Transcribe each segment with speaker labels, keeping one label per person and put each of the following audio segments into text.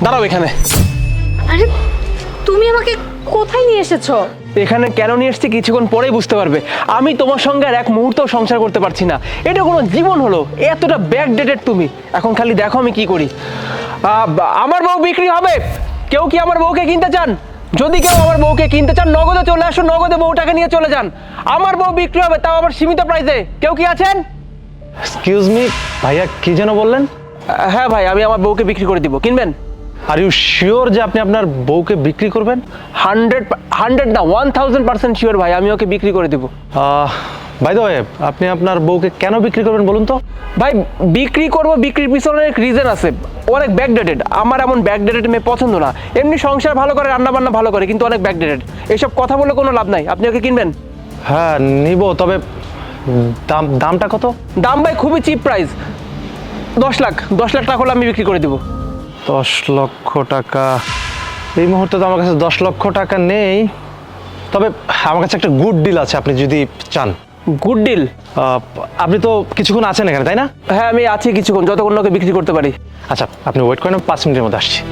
Speaker 1: দাঁড়াও এখানে।
Speaker 2: আরে তুমি আমাকে কোথায় নিয়ে এসেছো?
Speaker 1: এখানে কেন নিয়ে এসছি কিছুক্ষণ পরেই বুঝতে পারবে। আমি তোমার সঙ্গে আর এক মুহূর্তও সংসার করতে পারছি না। এটা কোনো জীবন হলো? এতটা ব্যাকডেটেড তুমি। এখন খালি দেখো আমি কি করি। আমার বউ বিক্রি হবে। কেউ কি আমার বউকে কিনতে চান? যদি কেউ আমার বউকে কিনতে চান নগদে চলে আসুন, নগদে বউটাকে নিয়ে চলে যান। আমার বউ বিক্রি হবে, তাও আবার সীমিত প্রাইসে। কেউ কি আছেন?
Speaker 3: এক্সকিউজ মি ভাইয়া, কি যেন বললেন?
Speaker 1: হ্যাঁ ভাই, আমি আমার বউকে বিক্রি করে দিব। কিনবেন?
Speaker 3: আর ইউ শিওর যে আপনি আপনার বউকে বিক্রি করবেন?
Speaker 1: 100 না 1000% শিওর ভাই, আমি ওকে বিক্রি করে দিব।
Speaker 3: বাই দ্য ওয়ে, আপনি আপনার বউকে কেন বিক্রি করবেন বলুন তো?
Speaker 1: ভাই বিক্রি করব, বিক্রির পিছনে অনেক রিজন আছে। অনেক ব্যাকডেটেড। আমার এমন ব্যাকডেটেড মেয়ে পছন্দ না। এমনি সংসার ভালো করে, রান্না বান্না ভালো করে, কিন্তু অনেক ব্যাকডেটেড। এইসব কথা বলে কোনো লাভ নাই। আপনি ওকে কিনবেন?
Speaker 3: হ্যাঁ নিব, তবে দামটা কত?
Speaker 1: দাম ভাই খুবই চিপ প্রাইস। 10 লাখ টাকা হলে আমি বিক্রি করে দিব।
Speaker 3: 10 লক্ষ টাকা? এই মুহূর্তে তো আমার কাছে 10 লক্ষ টাকা নেই, তবে আমার কাছে একটা গুড ডিল আছে আপনি যদি চান।
Speaker 1: Good deal?
Speaker 3: আপনি তো কিছুক্ষণ আছেন এখানে, তাই না?
Speaker 1: হ্যাঁ আমি আছি কিছুক্ষণ, যতক্ষণ ওকে বিক্রি করতে পারি।
Speaker 3: আচ্ছা আপনি ওয়েট করেন, 5 মিনিটের মধ্যে আসছি।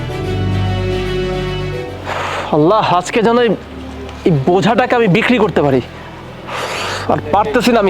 Speaker 1: আল্লাহ, আজকে যেন এই বোঝাটাকে আমি বিক্রি করতে পারি। আর পারতেছি না আমি।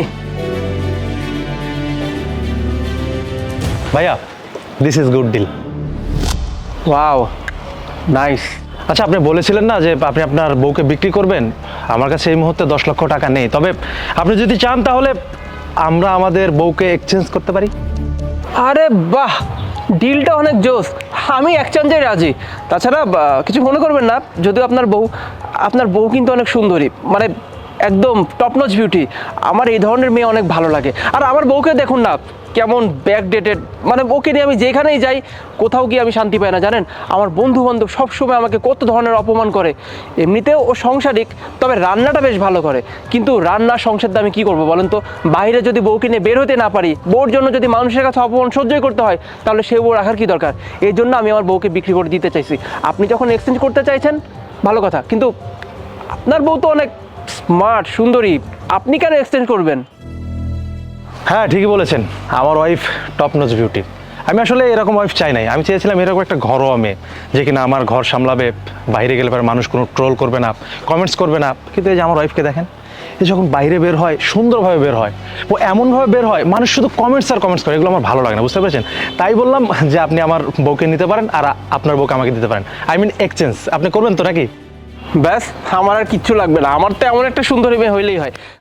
Speaker 3: ভাইয়া, this is good deal.
Speaker 1: Wow, nice.
Speaker 3: আচ্ছা, আপনি বলেছিলেন না যে আপনি আপনার বউকে বিক্রি করবেন? আমার কাছে এই মুহূর্তে 10 লক্ষ টাকা নেই, তবে আপনি যদি চান তাহলে আমরা আমাদের বউকে এক্সচেঞ্জ করতে পারি।
Speaker 1: আরে বাহ, ডিলটা অনেক জোস। আমি এক্সচেঞ্জে রাজি। তাছাড়া কিছু মনে করবেন না, যদিও আপনার বউ কিন্তু অনেক সুন্দরী, মানে একদম টপ নচ বিউটি। আমার এই ধরনের মেয়ে অনেক ভালো লাগে। আর আমার বউকে দেখুন না, কেমন ব্যাকডেটেড। মানে ওকে নিয়ে আমি যেখানেই যাই, কোথাও গিয়ে আমি শান্তি পাই না জানেন। আমার বন্ধু বান্ধব সবসময় আমাকে কত ধরনের অপমান করে। এমনিতেও ও সংসারিক, তবে রান্নাটা বেশ ভালো করে। কিন্তু রান্না সংসার দিয়ে আমি কী করবো বলেন তো? বাইরে যদি বউকে নিয়ে বের হতে না পারি, বউর জন্য যদি মানুষের কাছে অপমান সহ্যই করতে হয়, তাহলে সে বউ রাখার কী দরকার? এই জন্য আমি আমার বউকে বিক্রি করে দিতে চাইছি। আপনি যখন এক্সচেঞ্জ করতে চাইছেন ভালো কথা, কিন্তু আপনার বউ তো অনেক স্মার্ট, সুন্দরী। আপনি কেন এক্সচেঞ্জ করবেন?
Speaker 3: হ্যাঁ ঠিকই বলেছেন, আমার ওয়াইফ টপ নচ বিউটি। আমি আসলে এরকম ওয়াইফ চাই নাই। আমি চেয়েছিলাম এরকম একটা ঘরোয়া মেয়ে, যে কিনা আমার ঘর সামলাবে, বাইরে গেলে পরে মানুষ কোনো ট্রোল করবে না, কমেন্টস করবে না। কিন্তু এই যে আমার ওয়াইফকে দেখেন, এ যখন বাইরে বের হয় সুন্দরভাবে বের হয়, ও এমনভাবে বের হয় মানুষ শুধু কমেন্টস আর কমেন্টস করে। এগুলো আমার ভালো লাগে না, বুঝতে পেরেছেন? তাই বললাম যে আপনি আমার বউকে নিতে পারেন আর আপনার বউকে আমাকে দিতে পারেন। I mean exchange. আপনি করবেন তো নাকি?
Speaker 1: ব্যাস, আমার আর কিচ্ছু লাগবে না। আমার তো এমন একটা সুন্দরী মেয়ে হইলেই হয়।